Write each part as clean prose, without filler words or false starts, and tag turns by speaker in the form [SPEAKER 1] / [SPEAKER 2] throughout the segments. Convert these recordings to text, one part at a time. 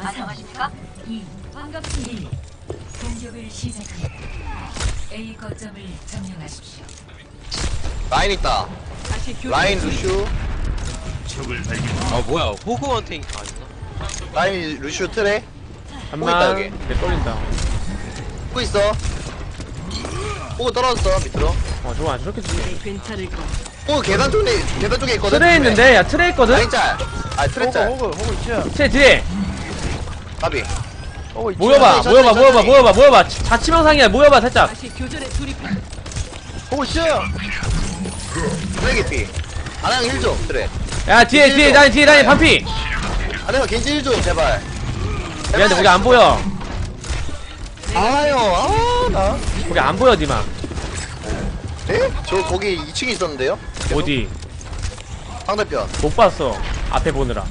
[SPEAKER 1] 안녕하십니까? 반갑습니다. 공격을 시작합니다. A 거점을 점령하십시오.
[SPEAKER 2] 라인 있다. 라인 루슈.
[SPEAKER 3] 아 뭐야 호그원탱 아니나?
[SPEAKER 2] 라인 루슈 트레. 있다,
[SPEAKER 4] 잠만
[SPEAKER 2] 여기.
[SPEAKER 4] 내 떨린다.
[SPEAKER 2] 보고 있어. 보고 떨어졌어 밑으로.
[SPEAKER 4] 좋아 저렇게지.
[SPEAKER 5] 괜찮을 거.
[SPEAKER 2] 보고 계단 쪽에 있거든.
[SPEAKER 4] 트레 있는데 야 트레 있거든.
[SPEAKER 2] 라인 짤. 아 트레 짤.
[SPEAKER 6] 호그 있죠.
[SPEAKER 4] 트레 뒤에
[SPEAKER 2] 까비.
[SPEAKER 6] 호그 있죠.
[SPEAKER 4] 모여봐
[SPEAKER 2] 천천히,
[SPEAKER 4] 모여봐
[SPEAKER 2] 천천히.
[SPEAKER 4] 모여봐 자치명상이야. 모여봐 살짝.
[SPEAKER 5] 다시 교전에 돌입해.
[SPEAKER 6] 호그 있죠.
[SPEAKER 2] 트레 피. 아나형 힐 좀. 트레.
[SPEAKER 4] 야 뒤에 라인 반피.
[SPEAKER 2] 아나형 겐지 힐 좀 제발.
[SPEAKER 4] 미안해 거기 안 보여.
[SPEAKER 2] 아나형 나.
[SPEAKER 4] 거기 안 보여 니마.
[SPEAKER 2] 네? 저 거기 2층에 있었는데요.
[SPEAKER 4] 어디
[SPEAKER 2] 상대편.
[SPEAKER 4] 못 봤어. 앞에 보느라.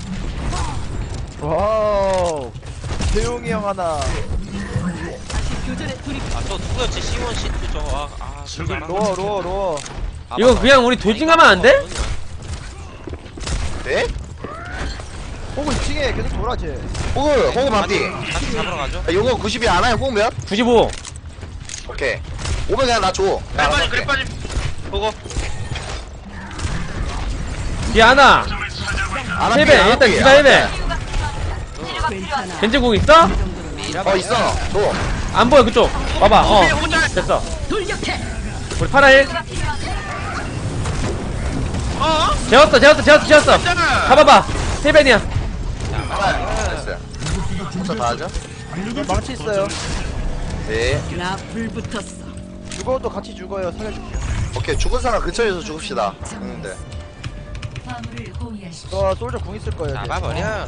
[SPEAKER 6] 와우. 태용이 형 하나.
[SPEAKER 5] 다시 교전에 돌입해.
[SPEAKER 3] 아저 누구였지 C1 C2 저거 진짜
[SPEAKER 6] 로어.
[SPEAKER 4] 이거 그냥 우리 돌진하면 안 돼?
[SPEAKER 2] 네?
[SPEAKER 6] 호그 2층에 계속 돌아지.
[SPEAKER 2] 호그 반피.
[SPEAKER 3] 같이 잡으러 가죠.
[SPEAKER 2] 야, 요거 90이 아나형 꼭 몇?
[SPEAKER 4] 95.
[SPEAKER 2] 오케이. 오면 그냥 나 줘.
[SPEAKER 3] 그래 빠짐 보고
[SPEAKER 4] 뒤에 하나.
[SPEAKER 2] 아나
[SPEAKER 4] 1배
[SPEAKER 2] 피, 아나
[SPEAKER 4] 일단
[SPEAKER 2] 피.
[SPEAKER 4] 기가 1배.
[SPEAKER 5] 괜찮아.
[SPEAKER 4] 겐지공 있어?
[SPEAKER 2] 있어. 줘.
[SPEAKER 4] 안 보여 그쪽. 봐봐. 됐어.
[SPEAKER 5] 돌격해.
[SPEAKER 4] 우리 파라일. 재웠어. 가봐봐. 1배이야.
[SPEAKER 2] 됐어요. 부터 다 하죠?
[SPEAKER 6] 망치 있어요.
[SPEAKER 2] 네.
[SPEAKER 5] 나 불붙었어.
[SPEAKER 6] 죽어도 같이 죽어요. 살려줄게요.
[SPEAKER 2] 오케이. 죽은 사람 근처에서 죽읍시다. 형님들.
[SPEAKER 1] 화물을 호위하십시오.
[SPEAKER 6] 와 솔저 궁 있을 거예요. 이제.
[SPEAKER 3] 잡아버려.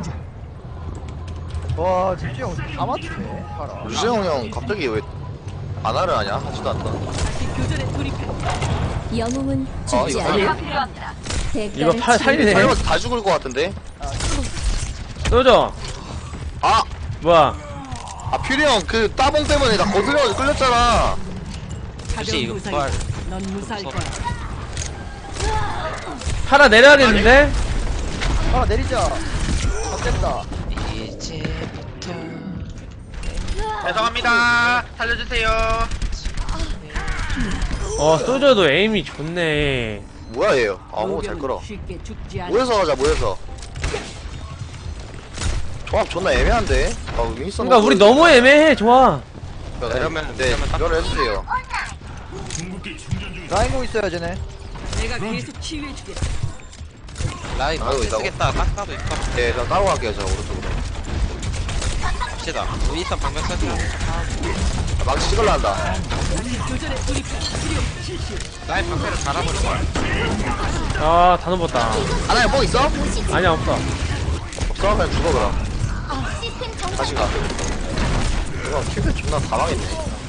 [SPEAKER 6] 와 집중 형다 맞추네. 봐라.
[SPEAKER 2] 유재홍 형 갑자기 왜 안화를 하냐? 하지도 않다.
[SPEAKER 5] 다시 교전에 돌입해.
[SPEAKER 7] 영웅은
[SPEAKER 2] 어,
[SPEAKER 7] 죽지
[SPEAKER 2] 이거
[SPEAKER 7] 않아.
[SPEAKER 1] 필요합니다.
[SPEAKER 4] 이거
[SPEAKER 7] 대가를
[SPEAKER 4] 살리네.
[SPEAKER 2] 살면서 다 죽을 것 같은데?
[SPEAKER 4] 쏘죠.
[SPEAKER 2] 아!
[SPEAKER 4] 뭐야?
[SPEAKER 2] 퓨리 형 그 따봉 때문에 나 거슬려서 끌렸잖아.
[SPEAKER 3] 혹시
[SPEAKER 5] 가벼운
[SPEAKER 3] 이거
[SPEAKER 5] 부상이.
[SPEAKER 3] 부활
[SPEAKER 5] 넌 무사할 거야.
[SPEAKER 4] 파라 내려야겠는데?
[SPEAKER 6] 아 내리자. 됐다.
[SPEAKER 3] 이제부터
[SPEAKER 8] 죄송합니다. 살려주세요.
[SPEAKER 4] 쏘져도 에임이 좋네.
[SPEAKER 2] 뭐야 얘. 잘 끌어.
[SPEAKER 5] 쉽게 죽지 않아.
[SPEAKER 2] 모여서 가자 모여서. 조합 존나 애매한데? 윈선
[SPEAKER 4] 그러니까 우리 너무 애매해. 좋아.
[SPEAKER 3] 이러면
[SPEAKER 2] 네
[SPEAKER 3] 딱
[SPEAKER 2] 이거를 해주세요.
[SPEAKER 6] 라인 공 있어요 쟤네.
[SPEAKER 5] 내가 계속 치유해주겠어.
[SPEAKER 3] 라인
[SPEAKER 2] 아이고,
[SPEAKER 3] 막
[SPEAKER 2] 있다고?
[SPEAKER 3] 쓰겠다 딱 봐도 있을 것 같아.
[SPEAKER 2] 네 그럼 따로 갈게요 저 오른쪽으로.
[SPEAKER 3] 갑시다. 윈스턴 방벽 써주고
[SPEAKER 2] 망치 찍으려 한다.
[SPEAKER 5] 교전에 돌입해. 치료 실시.
[SPEAKER 3] 라인 방패를 갈아버려.
[SPEAKER 4] 다 넘었다.
[SPEAKER 2] 하나에 뽕 있어?
[SPEAKER 4] 아니야 없어.
[SPEAKER 2] 없어? 그냥 죽어 그럼. 다시 가. 이거 킬백 존나 다 망했네.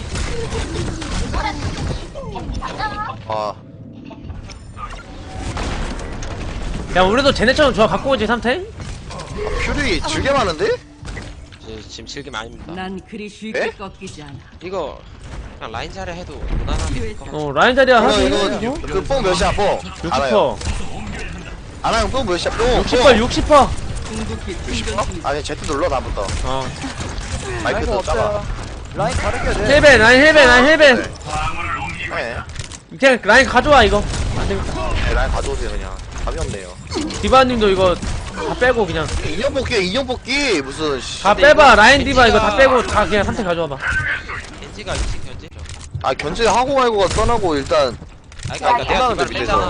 [SPEAKER 4] 야 우리도 쟤네처럼 좋아 갖고 오지 3탱?
[SPEAKER 2] 퓨리 질게 많은데?
[SPEAKER 3] 지금 즐김 아닙니다.
[SPEAKER 5] 난 그리 쉽게
[SPEAKER 2] 에?
[SPEAKER 5] 꺾이지 않아.
[SPEAKER 3] 이거 그냥 라인 자리 해도 무난하게 것 같아.
[SPEAKER 4] 라인 자리야
[SPEAKER 2] 이거
[SPEAKER 4] 하지.
[SPEAKER 2] 그 뽕 몇이야 뽕? 알아요.
[SPEAKER 4] 60%.
[SPEAKER 2] 아나형 뽕 몇이야 뽕?
[SPEAKER 4] 60%.
[SPEAKER 5] 궁극기 충전 중.
[SPEAKER 2] 아니 Z 눌러 다음부터.
[SPEAKER 6] 라인
[SPEAKER 2] 마이크
[SPEAKER 6] 공
[SPEAKER 2] 더 작아.
[SPEAKER 6] 없어요. 라인 가르쳐야 돼.
[SPEAKER 4] 헬벤 라인 헬벤.
[SPEAKER 2] 네.
[SPEAKER 4] 그냥 라인 가져와 이거. 안 되겠다.
[SPEAKER 2] 네, 라인 가져오세요 그냥. 답이 없네요.
[SPEAKER 4] 디바님도 이거 다 빼고 그냥
[SPEAKER 2] 인형 뽑기 인형 뽑기 무슨
[SPEAKER 4] 다 빼봐. 라인 디바 이거 다 빼고 다 그냥 3탱 가져와봐.
[SPEAKER 3] 겐지가 위치 견지.
[SPEAKER 2] 아 견제 하고 말고가 떠나고 일단
[SPEAKER 3] 그러니까 내가
[SPEAKER 2] 끝나는데
[SPEAKER 3] 디바를
[SPEAKER 2] 밑에서.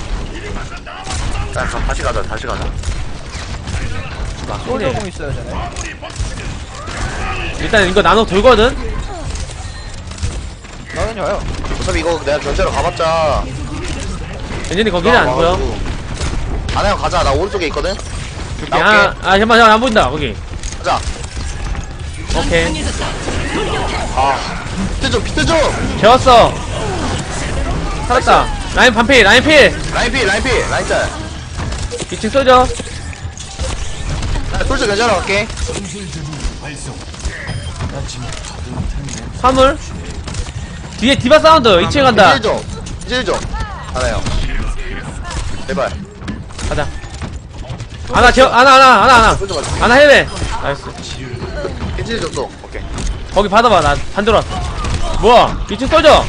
[SPEAKER 3] 뺐잖아.
[SPEAKER 2] 야 다시 가자 다시 가자.
[SPEAKER 6] 솔저 공 있어요 쟤네.
[SPEAKER 4] 일단 이거 나눠 돌거든.
[SPEAKER 6] 나는 저요.
[SPEAKER 2] 어차피 이거 내가 견제로 가봤자.
[SPEAKER 4] 엔진이 거기는 안 보여.
[SPEAKER 2] 아나형 가자. 나 오른쪽에 있거든.
[SPEAKER 4] 야, 잠깐만 안 보인다 거기.
[SPEAKER 2] 가자.
[SPEAKER 4] 오케이.
[SPEAKER 2] 비트 좀.
[SPEAKER 4] 재웠어. 살았다. 라인 반필 라인 필.
[SPEAKER 2] 라인 피 라인 짤.
[SPEAKER 4] 2층 쏘죠.
[SPEAKER 2] 나 솔직히 견제하러 갈게.
[SPEAKER 4] 화물. 뒤에 디바 사운드 2층 간다.
[SPEAKER 2] 이제 좀. 하나요. 제발.
[SPEAKER 4] 가자. 하나
[SPEAKER 2] 쏘지 마.
[SPEAKER 4] 하나 해외. 나이스.
[SPEAKER 2] 겐지 줬어. 오케이.
[SPEAKER 4] 거기 받아봐. 나 반대로 왔어. 뭐야? 2층 쏘져.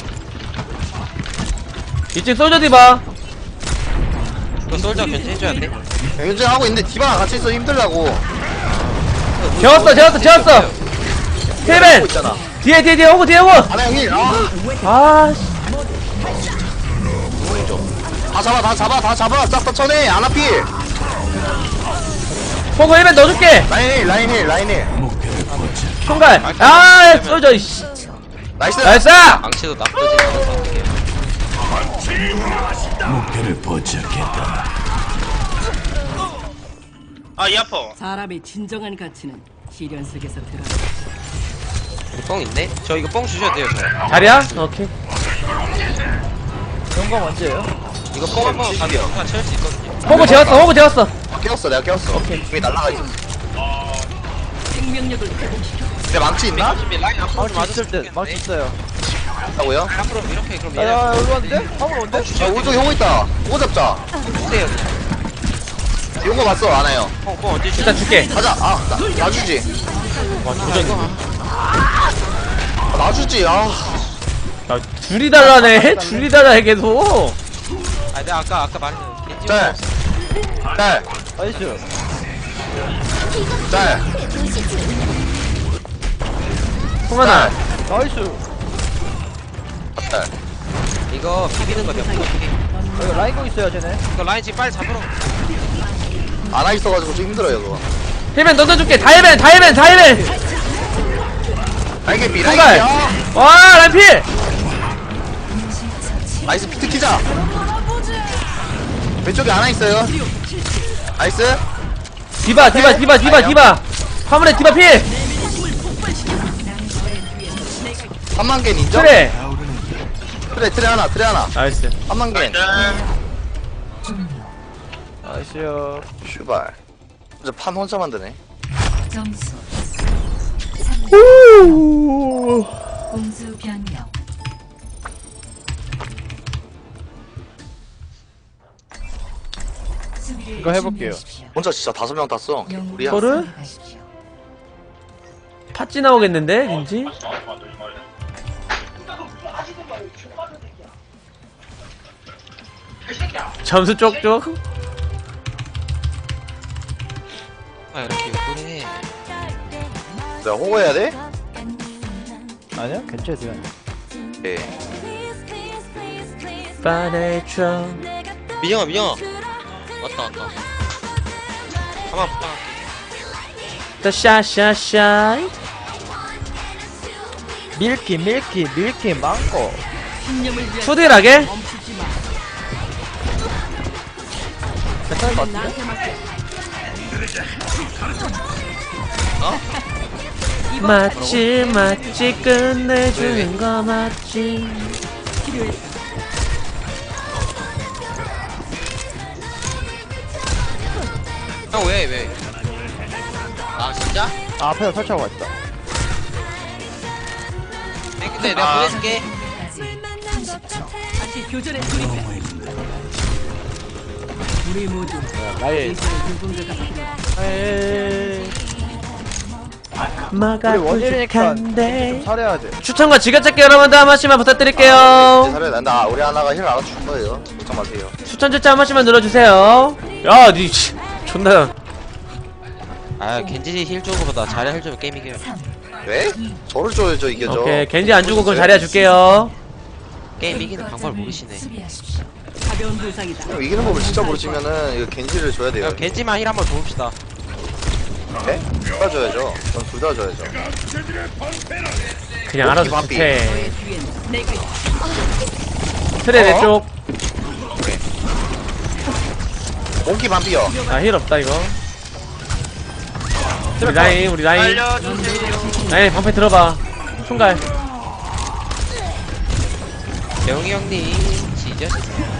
[SPEAKER 4] 2층 쏘져 디바.
[SPEAKER 3] 이거 솔저 견제해줘야 돼.
[SPEAKER 2] 겐지 하고 있는데 디바랑 같이 있어 힘들다고.
[SPEAKER 4] 재웠어.
[SPEAKER 2] 하고
[SPEAKER 4] 힐벤.
[SPEAKER 2] 있잖아.
[SPEAKER 4] 뒤에 오고.
[SPEAKER 2] 하나 형님.
[SPEAKER 4] 아, 씨.
[SPEAKER 2] 다 잡아. 싹 다 쳐내. 아나피.
[SPEAKER 4] 포고 힐벤 넣어줄게.
[SPEAKER 2] 라인 힐.
[SPEAKER 4] 총갈. 아, 쏘져. 이씨.
[SPEAKER 2] 나이스.
[SPEAKER 4] 나이스.
[SPEAKER 3] 망치도 나쁘지 않아서 어떻게.
[SPEAKER 8] 아, 이 아파.
[SPEAKER 5] 사람의 진정한 가치는 시련 속에서 드러나.
[SPEAKER 3] 뽕 있네? 저 이거 뽕 주셔도 돼요, 저.
[SPEAKER 4] 자리야? 오케이.
[SPEAKER 6] 영광 언제예요?
[SPEAKER 3] 이거 뽕 한번 가면 다 채울 수 있거든요.
[SPEAKER 4] 호구 재웠어.
[SPEAKER 2] 내가 깨웠어. 중에 날라가 있어.
[SPEAKER 5] 생명력을 회복시켜.
[SPEAKER 2] 내 망치 있나?
[SPEAKER 3] 준비 라인 앞으로 좀
[SPEAKER 6] 망치 있을
[SPEAKER 3] 와줬으면
[SPEAKER 6] 때 망치
[SPEAKER 3] 좋겠네.
[SPEAKER 6] 있어요.
[SPEAKER 2] 있다고요?
[SPEAKER 3] 앞으로 이렇게 그럼 얘네
[SPEAKER 6] 야 여기 왔는데? 화물 온대?
[SPEAKER 2] 오른쪽에 형 있다. 오고 잡자.
[SPEAKER 3] 주세요.
[SPEAKER 2] 이런 거 봤어 안 해요.
[SPEAKER 3] 뽕 언제
[SPEAKER 4] 일단 줄게.
[SPEAKER 2] 가자. 나 주지.
[SPEAKER 4] 와, 조정이.
[SPEAKER 2] 나 주지. 아.
[SPEAKER 4] 야, 둘이 달라네. 둘이 달라해 계속.
[SPEAKER 3] 아, 내가 아까 말했잖아. 겐지
[SPEAKER 2] 짤.
[SPEAKER 6] 나이스.
[SPEAKER 2] 짤.
[SPEAKER 4] 송하나.
[SPEAKER 6] 나이스.
[SPEAKER 2] 짤.
[SPEAKER 3] 이거 비비는 거 몇 번 어떻게?
[SPEAKER 6] 여기 라인공 있어요 쟤네.
[SPEAKER 3] 이거 라인 지금 빨리 잡으러.
[SPEAKER 2] 안와 있어가지고 좀 힘들어요 그거.
[SPEAKER 4] 힐벤 넣어줄게. 다 힐벤.
[SPEAKER 2] 라이게
[SPEAKER 4] 총갈. 와, 라인필.
[SPEAKER 2] 나이스 피트 키자. 왼쪽에 안와 있어요. 나이스.
[SPEAKER 4] 디바. 화물에 디바 필.
[SPEAKER 2] 3만 겐 인정?
[SPEAKER 4] 그래.
[SPEAKER 2] 트레 하나.
[SPEAKER 4] 나이스.
[SPEAKER 2] 3만 겐.
[SPEAKER 6] 나이스요.
[SPEAKER 2] 슈발. 이제 판 혼자 만드네.
[SPEAKER 1] 점수 공수 변경. 수비를
[SPEAKER 6] 이거 해볼게요.
[SPEAKER 1] 준비하십시오.
[SPEAKER 2] 혼자 진짜 5명 땄어.
[SPEAKER 1] 영웅을
[SPEAKER 2] 우리야.
[SPEAKER 4] 뭐를?
[SPEAKER 1] 선택하십시오.
[SPEAKER 4] 팥찌 나오겠는데, 왠지? 점수 쪽쪽.
[SPEAKER 3] 아, 이렇게 이쁘네.
[SPEAKER 2] 내가 호구해야 돼?
[SPEAKER 6] 아니야? 괜찮아요.
[SPEAKER 2] 예.
[SPEAKER 4] 빠내줘.
[SPEAKER 3] 민영아. 왔다. 가만 부탁할게.
[SPEAKER 4] 더 샤샤샤.
[SPEAKER 6] 밀키 망고.
[SPEAKER 5] 신념을 위한
[SPEAKER 4] 투딜하게.
[SPEAKER 5] 멈추지 마.
[SPEAKER 6] 괜찮을 것 같은데?
[SPEAKER 5] 나한테 맡겨.
[SPEAKER 4] 맞지 끝내주는 거 맞지.
[SPEAKER 5] 필요했다.
[SPEAKER 3] 형 왜? 아 진짜?
[SPEAKER 6] 아 앞에서 설치하고 있다.
[SPEAKER 3] 네, 근데 내가 보내줄게.
[SPEAKER 5] 다시 교전에 돌입해. 우리 모두
[SPEAKER 6] 나의
[SPEAKER 5] 인생의 유분자가 필요하다.
[SPEAKER 4] 마가
[SPEAKER 6] 우리 원일이니까
[SPEAKER 4] 부족한데.
[SPEAKER 6] 좀 잘해야 돼.
[SPEAKER 4] 추천과 지갑찾기 여러분들 한 번씩만 부탁드릴게요.
[SPEAKER 2] 잘해. 나 우리 하나가 힐 알아줄 거예요. 걱정 마세요.
[SPEAKER 4] 추천 절차 한 번씩만 눌러주세요. 야, 니 존나.
[SPEAKER 3] 아 겐지 힐 쪽으로다 자리 힐 주면 게임 이겨요.
[SPEAKER 2] 왜? 저를 줘야죠 이겨줘.
[SPEAKER 4] 오케이, 겐지 안 주고 그럼 자리야 줄게요.
[SPEAKER 3] 게임 이기는 방법을 모르시네.
[SPEAKER 1] 수비하십시오.
[SPEAKER 5] 가벼운 부상이다.
[SPEAKER 2] 형 이기는 법을 진짜 모르시면은 이거 겐지를 줘야 돼요.
[SPEAKER 3] 야 겐지만 힐 한번 줘봅시다.
[SPEAKER 2] 네? 둘 다 줘야죠. 전 둘 다 줘야죠.
[SPEAKER 4] 그냥 알아서
[SPEAKER 2] 바삐.
[SPEAKER 4] 좋대.
[SPEAKER 5] 너의 뒤에는 내가 있다.
[SPEAKER 4] 트레 내 쪽.
[SPEAKER 2] 몽키 반피요.
[SPEAKER 4] 아, 힐 없다 이거. 우리 라인.
[SPEAKER 8] 알려주세요.
[SPEAKER 4] 라인 방패 들어봐. 총갈.
[SPEAKER 3] 영희 형님 지저시세요.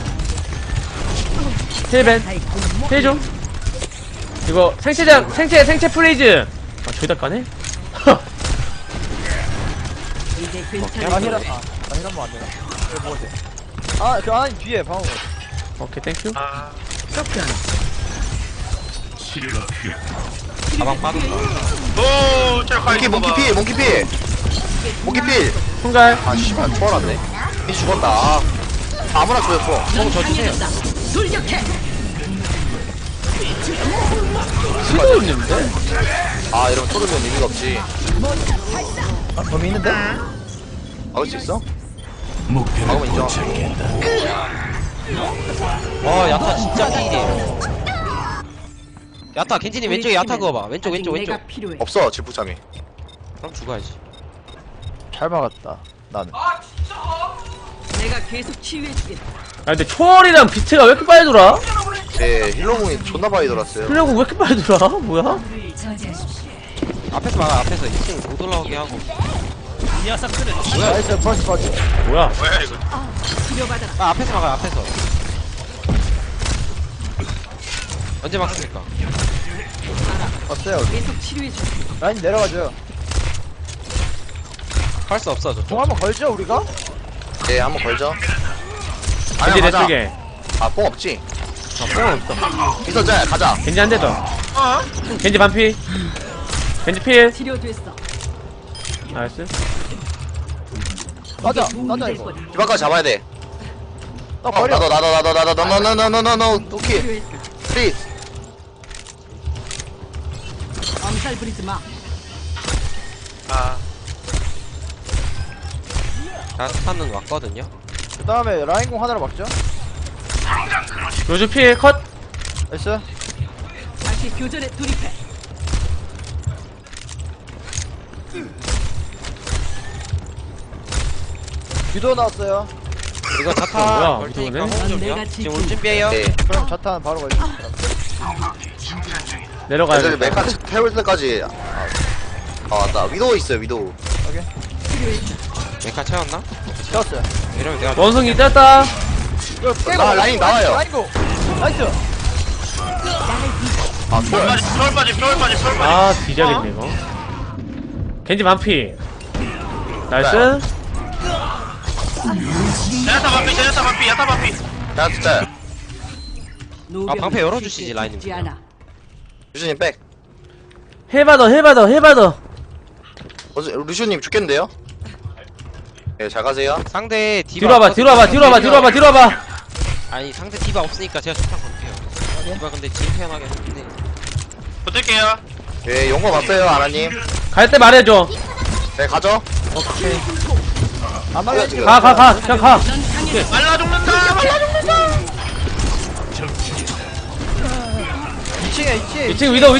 [SPEAKER 4] 힐벤. 힐 좀. 이거 생체 프리즈. 아, 저기다 까네?
[SPEAKER 5] 이제
[SPEAKER 6] 아
[SPEAKER 5] 괜찮아.
[SPEAKER 6] 힐 한번 안 되나? 이거 뭐지? 아저 아니 뒤에 방어.
[SPEAKER 4] 오케이, 땡큐.
[SPEAKER 8] 아,
[SPEAKER 3] 가방 빠졌다.
[SPEAKER 8] 오, 저
[SPEAKER 2] 몽키 몽키필 몽키필 몽키필.
[SPEAKER 4] 순갈.
[SPEAKER 2] 아 씨발 초월았네. 이 죽었다. 아무나 죽였어.
[SPEAKER 3] 저 주세요.
[SPEAKER 5] 돌격해.
[SPEAKER 4] 수도 있는데?
[SPEAKER 2] 아 이러면 토르면 의미가 없지.
[SPEAKER 6] 아, 범위 있는데?
[SPEAKER 2] 막을 수 있어? 막으면 인정.
[SPEAKER 3] 와 야타 진짜 필이에요. 야타 겐지님 왼쪽에 야타 그거 봐. 왼쪽 왼쪽 왼쪽.
[SPEAKER 5] 내가 필요해.
[SPEAKER 2] 없어 질풍참이.
[SPEAKER 3] 그럼 죽어야지.
[SPEAKER 6] 잘 막았다. 나는.
[SPEAKER 5] 내가 계속 치유해주겠다.
[SPEAKER 4] 아 근데 초월이랑 비트가 왜 이렇게 빨리 돌아?
[SPEAKER 2] 네 힐러공이 존나 많이 돌았어요.
[SPEAKER 4] 플래그 왜 이렇게 빨리 돌아? 뭐야?
[SPEAKER 1] 저지하십시오.
[SPEAKER 3] 앞에서 막아. 앞에서 2층 못 올라오게 하고.
[SPEAKER 6] 나이스, 펀치.
[SPEAKER 4] 뭐야?
[SPEAKER 8] 뭐야 이거?
[SPEAKER 5] 치료받아.
[SPEAKER 3] 아 앞에서 막아. 앞에서. 언제 막습니까?
[SPEAKER 6] 왔어요.
[SPEAKER 5] 계속 치료해줘.
[SPEAKER 6] 라인 내려가죠.
[SPEAKER 3] 할 수 없어 저.
[SPEAKER 6] 공 한번 걸죠, 우리가?
[SPEAKER 2] 네 한번 걸죠.
[SPEAKER 4] 겐지 내
[SPEAKER 2] 가자.
[SPEAKER 4] 쪽에.
[SPEAKER 2] 아뽕 없지?
[SPEAKER 4] 뽕 없어.
[SPEAKER 2] 있었잖아 가자.
[SPEAKER 4] 겐지 한 대 더. 겐지 반피. 겐지 필.
[SPEAKER 5] 치료됐어.
[SPEAKER 4] 나이스.
[SPEAKER 6] 맞아,
[SPEAKER 5] 도움이
[SPEAKER 6] 맞아,
[SPEAKER 5] 될
[SPEAKER 6] 이거.
[SPEAKER 5] 거다.
[SPEAKER 2] 디바까지 잡아야 돼.
[SPEAKER 6] 나 버려.
[SPEAKER 2] 나도 오케이.
[SPEAKER 5] 치료했어.
[SPEAKER 2] 플리즈.
[SPEAKER 5] 암살 부리지 마.
[SPEAKER 8] 아,
[SPEAKER 3] 자 스타는 왔거든요.
[SPEAKER 6] 그 다음에 라인공 하나로 막죠.
[SPEAKER 4] 로즈 필 컷.
[SPEAKER 6] 나이스.
[SPEAKER 5] 다시 교전에 돌입해.
[SPEAKER 6] 유도 나왔어요.
[SPEAKER 3] 이거 자타
[SPEAKER 4] 뭐야,
[SPEAKER 3] 걸 테니까
[SPEAKER 4] 무서우네.
[SPEAKER 3] 호응 좀요.
[SPEAKER 5] 내가
[SPEAKER 3] 지금 올 준비해요.
[SPEAKER 2] 네.
[SPEAKER 6] 그럼 자탄 바로 걸죠.
[SPEAKER 2] 애들
[SPEAKER 4] 내려가야겠다.
[SPEAKER 2] 메카 태울 때까지. 아 맞다. 위도우 있어요 위도우.
[SPEAKER 3] 메카 채웠나?
[SPEAKER 6] 채웠어요.
[SPEAKER 3] 이러면 내가
[SPEAKER 4] 원숭이 떴다.
[SPEAKER 6] 이거 깨고.
[SPEAKER 2] 나 라인 나와요.
[SPEAKER 6] 라인공. 나이스.
[SPEAKER 2] 아 초월.
[SPEAKER 8] 서울 빠지, 서울 빠지, 서울 빠지.
[SPEAKER 4] 아 뒤져야겠네 이거. 겐지 반피. 나이스.
[SPEAKER 8] 야타 반피, 야타 반피, 야타 반피.
[SPEAKER 2] 야 진짜.
[SPEAKER 5] 노병
[SPEAKER 3] 방패 열어주시지,
[SPEAKER 5] 쉽게
[SPEAKER 3] 라인님.
[SPEAKER 5] 죽지 않아.
[SPEAKER 2] 루시님 백.
[SPEAKER 4] 해봐더.
[SPEAKER 2] 루시님 죽겠는데요? 네 잘 가세요.
[SPEAKER 3] 상대 디바
[SPEAKER 4] 뒤로 와봐.
[SPEAKER 3] 아니 상대 디바 없으니까 제가 좋다 볼게요. 디바 근데 지금 태어나게 했는데
[SPEAKER 8] 붙을게요.
[SPEAKER 2] 네 용거 봤어요 아나님.
[SPEAKER 4] 갈 때 말해줘.
[SPEAKER 2] 네 가죠.
[SPEAKER 6] 안 막혀, 지금.
[SPEAKER 4] 그냥 가.
[SPEAKER 8] 말라 죽는다, 말라 죽는다.
[SPEAKER 6] 2층에 2층.
[SPEAKER 4] 2층 위도.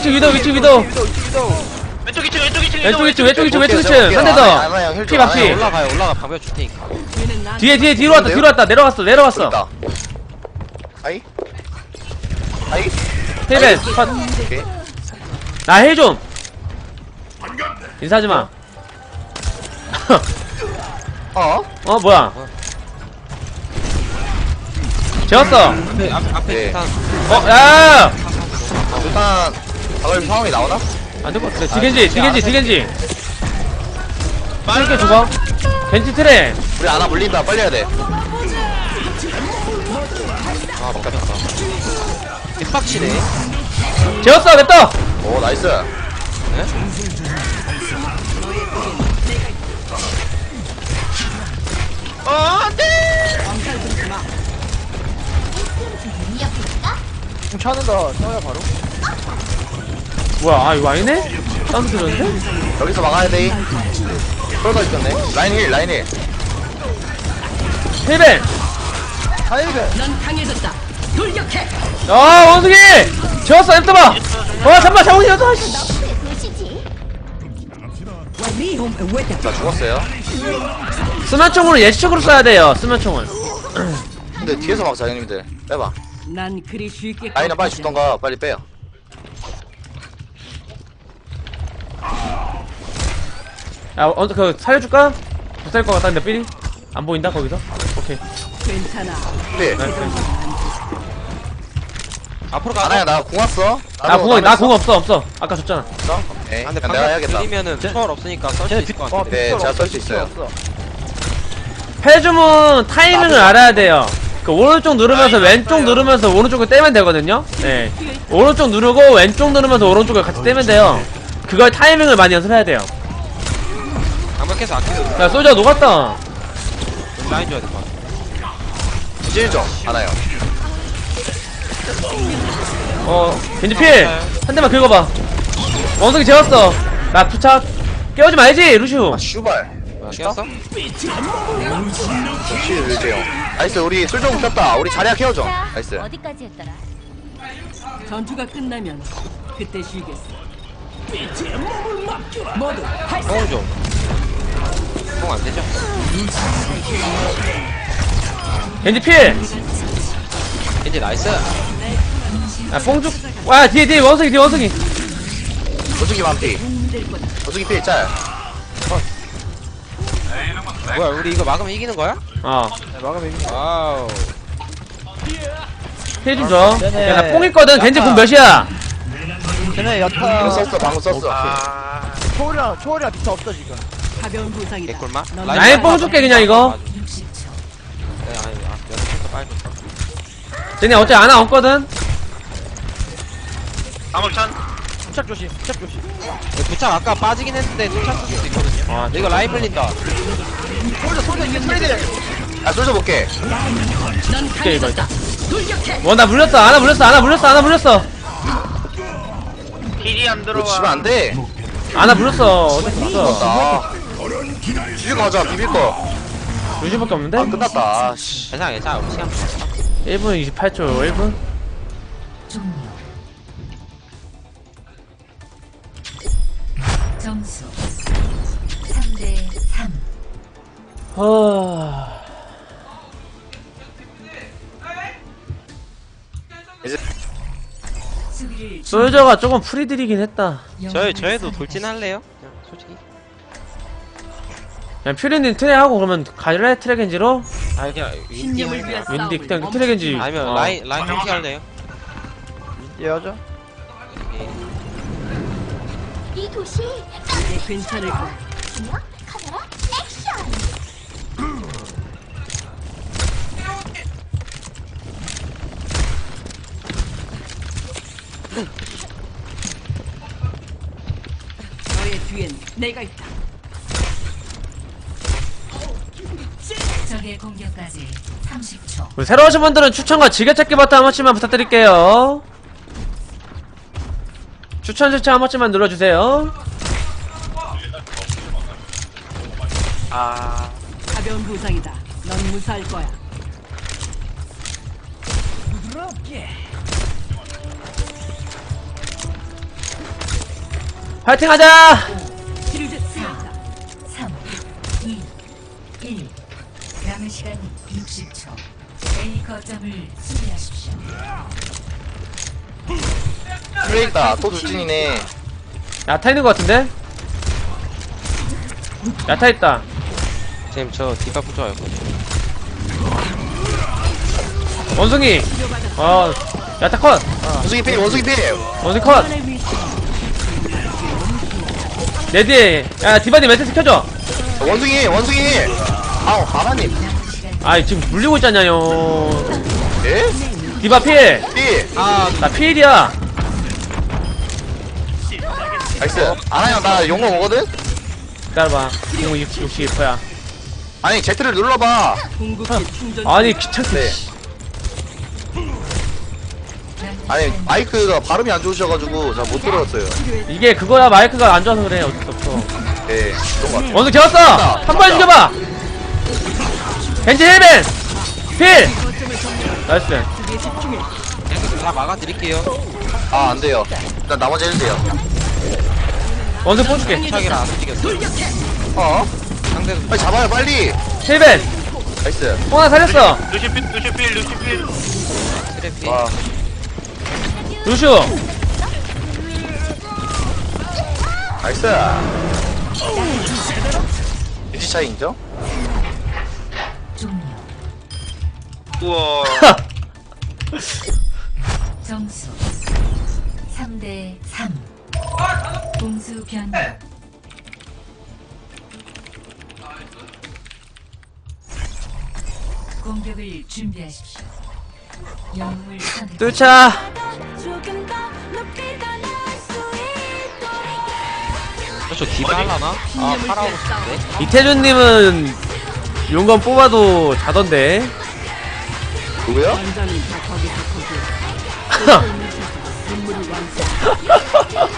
[SPEAKER 8] 왼쪽 2층, 왼쪽 2층.
[SPEAKER 4] 왼쪽 2층.
[SPEAKER 2] 볼게요.
[SPEAKER 4] 한 대 더.
[SPEAKER 2] 아나 형 힐.
[SPEAKER 4] 피 반피.
[SPEAKER 3] 올라가 방벽 줄 테니까.
[SPEAKER 5] 얘는 난
[SPEAKER 4] 뒤로 왔다. 내려갔어.
[SPEAKER 2] 있다. 아이. 아이.
[SPEAKER 4] 힐벤 컷.
[SPEAKER 2] 오케이.
[SPEAKER 4] 나 힐 좀. 인사하지 마.
[SPEAKER 2] 어?
[SPEAKER 4] 뭐야? 재웠어.
[SPEAKER 3] 앞에
[SPEAKER 2] 네.
[SPEAKER 3] 일단
[SPEAKER 4] 야!
[SPEAKER 2] 일단 박을 상황이 나오나?
[SPEAKER 4] 안 될 것 같아. 디겐지.
[SPEAKER 8] 말라
[SPEAKER 4] 이렇게 죽어. 겐지 트레.
[SPEAKER 2] 우리 아나 물린다. 빨리 해야 돼.
[SPEAKER 3] 아 먹겠다. 개빡치네.
[SPEAKER 4] 재웠어. 냅둬.
[SPEAKER 2] 오 나이스.
[SPEAKER 8] 안돼.
[SPEAKER 5] 암살 부리지 마.
[SPEAKER 6] 공 차는다. 써요, 바로.
[SPEAKER 4] 뭐야? 이거 아니네? 사운드 들었는데?
[SPEAKER 2] 여기서 막아야 돼. 쏠가 있겠네. 라인 힐.
[SPEAKER 4] 힐벤.
[SPEAKER 6] 하이벤.
[SPEAKER 5] 넌 강해졌다. 돌격해.
[SPEAKER 4] 원숭이. 재웠어. 냅둬봐. 잠깐만. 자원이라도.
[SPEAKER 2] 나 죽었어요.
[SPEAKER 4] 스마총으로 예시적으로 써야 돼요. 스마총을.
[SPEAKER 2] 근데 뒤에서 막자 형님들. 빼봐.
[SPEAKER 5] 난 그리 쉽게
[SPEAKER 2] 라인은 빨리
[SPEAKER 5] 꺾이지
[SPEAKER 2] 죽던가 빨리 빼요.
[SPEAKER 4] 살려줄까? 못 살 것 같다는데 삐리? 안 보인다 거기서? 오케이.
[SPEAKER 5] 않아. 괜찮아.
[SPEAKER 2] 네.
[SPEAKER 4] 나이스.
[SPEAKER 3] 앞으로 가.
[SPEAKER 2] 아나야 나 공 왔어.
[SPEAKER 4] 나 궁 없어. 아까 줬잖아.
[SPEAKER 2] 네.
[SPEAKER 3] 아, 근데
[SPEAKER 2] 내가
[SPEAKER 3] 방벽
[SPEAKER 2] 해야겠다.
[SPEAKER 3] 들이면은 초월 없으니까 썰 수 있을 것 같은데.
[SPEAKER 2] 네, 제가 쏠수 있어요.
[SPEAKER 4] 패주문 타이밍을 알아야 돼요. 그 오른쪽 누르면서 왼쪽 누르면서 오른쪽을 떼면 되거든요. 네. 오른쪽 누르고 왼쪽 누르면서 오른쪽을 같이 떼면 돼요. 그걸 타이밍을 많이 연습해야 돼요.
[SPEAKER 3] 강력해서 아껴서
[SPEAKER 4] 야 솔저 녹았다.
[SPEAKER 3] 라인 줘야 될것 같아.
[SPEAKER 2] 찔죠? 하나요.
[SPEAKER 4] 겐지 필! 한 대만 긁어봐. 원숭이 재웠어. 나 부착. 깨우지 말지, 루시우.
[SPEAKER 2] 아, 슈발.
[SPEAKER 3] 뭐야 깨웠어?
[SPEAKER 2] 역시 일제형. 나이스, 우리 술좀 켰다. 우리 자리야 키워줘.
[SPEAKER 7] 자,
[SPEAKER 2] 나이스.
[SPEAKER 7] 어디까지 했더라?
[SPEAKER 5] 전투가 끝나면 그때 쉬겠어. 모두
[SPEAKER 3] 뽕 좀. 뽕 안되죠?
[SPEAKER 4] 겐지 필!
[SPEAKER 3] 겐지 나이스.
[SPEAKER 4] 야, 뽕죽. 와, 뒤에, 원숭이.
[SPEAKER 2] 원숭이 만피. 원숭이 필 짤.
[SPEAKER 3] 뭐야 우리 이거 막으면 이기는 거야?
[SPEAKER 6] 막으면 이기.
[SPEAKER 3] 와우.
[SPEAKER 4] 필 좀 줘.
[SPEAKER 6] 네네.
[SPEAKER 4] 야, 나 뽕 있거든. 겐지 공 몇이야?
[SPEAKER 6] 쟤네
[SPEAKER 2] 방금
[SPEAKER 6] 야타.
[SPEAKER 2] 썼어, 방금 썼어.
[SPEAKER 8] 아
[SPEAKER 6] 초월이랑 비타 없어 지금.
[SPEAKER 5] 가벼운 부상이다.
[SPEAKER 3] 개꿀맛?
[SPEAKER 5] 넌
[SPEAKER 4] 라인 뽕 줄게, 그냥 이거.
[SPEAKER 1] 60초.
[SPEAKER 3] 네, 아니, 여섯 빨리.
[SPEAKER 4] 쟤네 어차피 하나 없거든?
[SPEAKER 8] 방울찬
[SPEAKER 6] 부착 조심. 부착 조심.
[SPEAKER 3] 부착 아까 빠지긴 했는데 부착 쓸 수도 있거든요.
[SPEAKER 4] 아,
[SPEAKER 3] 근데 이거 라인 불린다.
[SPEAKER 6] 소리 소리.
[SPEAKER 2] 아, 쏠져 볼게.
[SPEAKER 5] 넌
[SPEAKER 4] 오케이, 이거.
[SPEAKER 5] 강해졌다. 돌격해.
[SPEAKER 4] 나 물렸어. 하나 물렸어.
[SPEAKER 8] 힐이 안
[SPEAKER 2] 이거 지면
[SPEAKER 8] 들어와.
[SPEAKER 2] 안 돼.
[SPEAKER 4] 하나 물렸어. 어쩔 수 없어.
[SPEAKER 2] 나. 비빌 거 하자, 비빌 거.
[SPEAKER 4] 루시밖에 없는데?
[SPEAKER 2] 아, 끝났다. 아, 씨.
[SPEAKER 3] 괜찮아. 우리 시간.
[SPEAKER 4] 1분 28초, 1분?
[SPEAKER 1] 종료. 점수 3대 3.
[SPEAKER 2] 이제
[SPEAKER 1] 수비를
[SPEAKER 4] 솔저가 조금 프리들이긴 했다.
[SPEAKER 3] 저희도 돌진할래요? 그냥 솔직히.
[SPEAKER 4] 그냥 퓨리님 트레하고 그러면 갈래? 트레겐지로?
[SPEAKER 3] 아니 그냥
[SPEAKER 5] 신념을 위한
[SPEAKER 4] 윈디
[SPEAKER 5] 싸움을
[SPEAKER 4] 그냥 트레겐지.
[SPEAKER 3] 아니면 라인 통치 할래요?
[SPEAKER 6] 예하자.
[SPEAKER 7] 이 도시
[SPEAKER 5] 이제 괜찮을 거야.
[SPEAKER 7] 중요 카메라 액션.
[SPEAKER 5] 너의 뒤엔 내가 있다.
[SPEAKER 1] 적의 공격까지 30초.
[SPEAKER 4] 우리 새로 오신 분들은 추천과 지게찾기 버튼 한 번씩만 부탁드릴게요. 추천 한 번씩만 눌러주세요.
[SPEAKER 8] 아
[SPEAKER 5] 가벼운 부상이다. 넌 무사할 거야.
[SPEAKER 4] 파이팅 하자!
[SPEAKER 5] 치료제 쓰였다.
[SPEAKER 1] 3, 2, 1. 남은 시간 60초. A 거점을 수비하십시오.
[SPEAKER 2] 플레이 있다. 또 돌진이네.
[SPEAKER 4] 야타 있는 것 같은데? 야타 있다.
[SPEAKER 3] 지금 저 뒷바프 좋아요.
[SPEAKER 4] 원숭이! 야타 컷!
[SPEAKER 2] 원숭이 필, 원숭이 필.
[SPEAKER 4] 원숭이 컷! 내 뒤에, 야, 디바디 매트스 켜줘!
[SPEAKER 2] 원숭이. 아우, 하나님.
[SPEAKER 4] 아이, 지금 물리고 있잖아요.
[SPEAKER 2] 예?
[SPEAKER 4] 디바 필!
[SPEAKER 2] 필.
[SPEAKER 4] 나 필이야!
[SPEAKER 2] 나이스. 아나형, 나 용거 오거든?
[SPEAKER 4] 기다려봐. 62%야.
[SPEAKER 2] 아니, Z를 눌러봐.
[SPEAKER 5] 궁극기 충전.
[SPEAKER 4] 아니, 귀찮게.
[SPEAKER 2] 네. 아니, 마이크가 발음이 안 좋으셔가지고 잘 못 들었어요.
[SPEAKER 4] 이게 그거야, 마이크가 안 좋아서 그래. 어쩔 수 없어.
[SPEAKER 2] 네, 그런 것 같아요.
[SPEAKER 4] 원숭이 재웠어! 한 번 죽여봐! 벤지 힐벤! 필! 나이스.
[SPEAKER 5] 그게 집중해.
[SPEAKER 3] 다 막아드릴게요.
[SPEAKER 2] 아, 안 돼요. 일단 나머지 해주세요.
[SPEAKER 4] 원숭이 뽑줄게.
[SPEAKER 3] 부착이라 안 움직였어.
[SPEAKER 2] 어?
[SPEAKER 3] 상대도
[SPEAKER 2] 빨리 잡아요, 빨리.
[SPEAKER 4] 힐벤!
[SPEAKER 2] 나이스.
[SPEAKER 4] 하나 살렸어!
[SPEAKER 8] 루시필
[SPEAKER 3] 트래피.
[SPEAKER 2] 와,
[SPEAKER 4] 루슈!
[SPEAKER 2] 나이스. 유지 차이 인정?
[SPEAKER 1] 종료.
[SPEAKER 8] 우와
[SPEAKER 1] 점수 3대 3. 공수 변경. 공격을 준비하십시오. 영웅을 선택.
[SPEAKER 4] 뚫자.
[SPEAKER 3] 저쪽 디바 하려나? 아 팔아오고 싶은데.
[SPEAKER 4] 이태준님은 용건 뽑아도 자던데.
[SPEAKER 2] 누구요?
[SPEAKER 5] 원장님 다 거기서 거기. 눈물이 완성.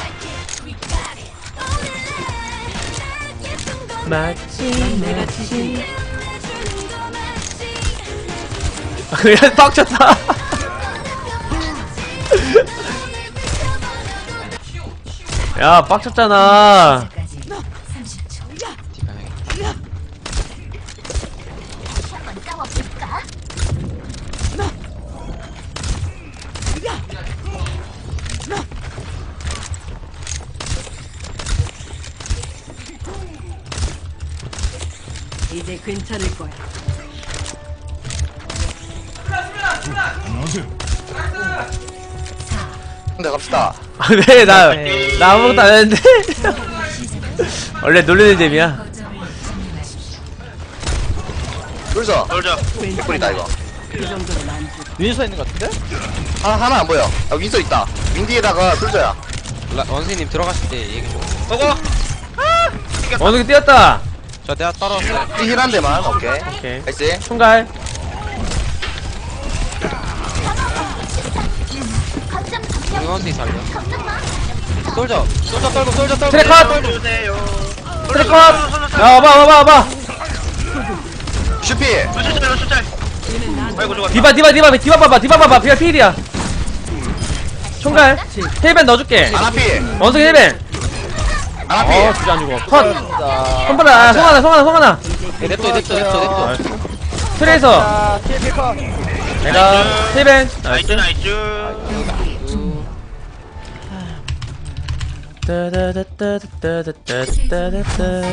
[SPEAKER 5] 내가 지금
[SPEAKER 4] 그냥 빡쳤다. 야, 빡쳤잖아.
[SPEAKER 1] 까지 30초.
[SPEAKER 3] 디바 해야겠다.
[SPEAKER 7] 한번 싸워볼까?
[SPEAKER 5] 이제 괜찮을 거야.
[SPEAKER 2] 근데 갑시다.
[SPEAKER 4] 아, 왜, 나 아무것도 안 했는데? 원래 놀리는 재미야.
[SPEAKER 1] 거점을 점령하십시오.
[SPEAKER 2] 뚫자.
[SPEAKER 8] 놀자.
[SPEAKER 2] 개꿀이다 이거.
[SPEAKER 5] 그 정도는 안 돼.
[SPEAKER 6] 윈서 있는 것 같은데?
[SPEAKER 2] 하나 안 보여. 아, 윈서 있다. 윈디에다가 뚫자야.
[SPEAKER 3] 원수님 들어가실 때 얘기 좀.
[SPEAKER 8] 보고.
[SPEAKER 4] 어느 게 뛰었다.
[SPEAKER 3] 저 내가 떨어졌어요.
[SPEAKER 2] 힐한 대만. 오케이.
[SPEAKER 4] 오케이.
[SPEAKER 2] 나이스.
[SPEAKER 4] 총갈.
[SPEAKER 7] 거점 점령.
[SPEAKER 3] 원수님 살려.
[SPEAKER 7] 걱정 마.
[SPEAKER 3] 솔져 떨고 솔져 떨고.
[SPEAKER 4] 트랙 컷!
[SPEAKER 8] 주세요.
[SPEAKER 4] 트랙 컷! 야, 와봐.
[SPEAKER 2] 슈피.
[SPEAKER 8] 루시짤. 아이고 죽었다.
[SPEAKER 4] 디바 봐봐. 디바 필이야. 총갈. 힐벤 넣어줄게.
[SPEAKER 2] 아나피.
[SPEAKER 4] 원숭이 힐벤.
[SPEAKER 2] 아나피.
[SPEAKER 4] 진짜 안 죽어. 컷.
[SPEAKER 6] 자,
[SPEAKER 4] 손바닥, 송하나.
[SPEAKER 3] 냅둬.
[SPEAKER 4] 트레이서.
[SPEAKER 6] 자, TP
[SPEAKER 4] 내가 힐벤.
[SPEAKER 8] 나이스 나이스.
[SPEAKER 4] 따다다다다다다다다다다.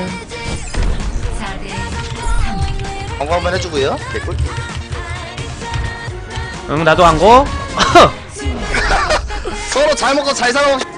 [SPEAKER 1] 4대
[SPEAKER 2] 광고 한번 해주고요. 개꿀.
[SPEAKER 4] 응, 나도 안 고.
[SPEAKER 2] 서로 잘 먹고 잘 살아봅시다.